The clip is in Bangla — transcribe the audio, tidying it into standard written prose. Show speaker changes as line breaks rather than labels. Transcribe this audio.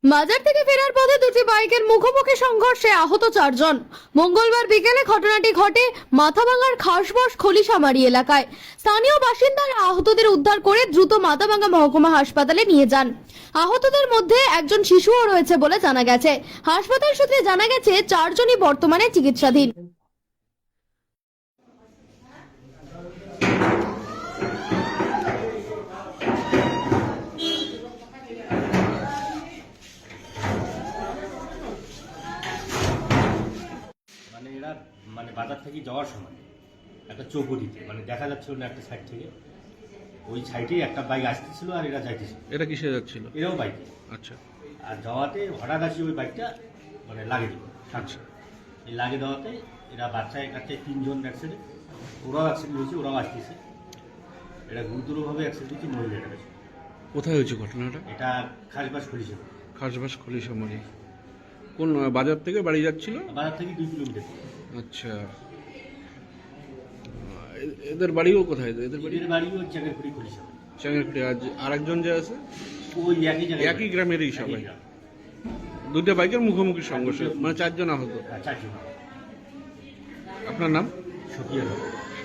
বাজার থেকে ফেরার পথে দুটি বাইকের মুখোমুখি সংঘর্ষে আহত 4 জন। মঙ্গলবার বিকেলে ঘটনাটি ঘটে মাথাভাঙ্গার খাসবস খলিশামারি এলাকায়। স্থানীয় বাসিন্দারা আহতদের উদ্ধার করে দ্রুত মাথাভাঙ্গা মহকুমা হাসপাতালে নিয়ে যান। আহতদের মধ্যে একজন শিশুও রয়েছে বলে জানা গেছে। হাসপাতাল সূত্রে জানা গেছে 4 জনই বর্তমানে চিকিৎসাধীন।
মানে এরা বাজার থেকে যাওয়ার সময় একটা চৌপতিতে দেখা যাচ্ছিল না একটা সাইড থেকে, ওই সাইডেই একটা বাইক আসতেছিল আর এরা যাইতেছিল।
এটা কিসে যাচ্ছিল?
এরাও বাইকে।
আচ্ছা
আর যাওয়াতে হঠাৎ আসি ওই বাইকটা লাগে দিল।
আচ্ছা।
এই লাগে দেওয়াতে এরা বাচ্চায় কাছে 3 জন অ্যাক্সিডেন্ট, ওরাও অ্যাক্সিডেন্ট হয়েছে, ওরাও আসতেছে। এটা গুরুতরভাবে অ্যাক্সিডেন্ট হয়েছে, মরে গেছে।
কোথায় হয়েছে ঘটনাটা?
এটা খাসবাস খুলেছে।
খাসবাস খলিশামারি। কোন বাজার থেকে বাড়ি যাচ্ছিল?
বাজার থেকে 2 কিলোমিটার।
আচ্ছা, এদের বাড়িও কোথায়? এদের বাড়ি
এদের বাড়ি ওই চাঁগেরপুরি খুলেছে।
চাঙ্গেরকুটি। আজ আরেকজন যে আছে
ওই একই জায়গায়,
একই গ্রামেরই সবাই।
একই গ্রাম।
দুটো বাইকের মুখোমুখি সংঘর্ষ, মানে 4 জন আহত।
4 জন।
আপনার নাম?
সকিয়া।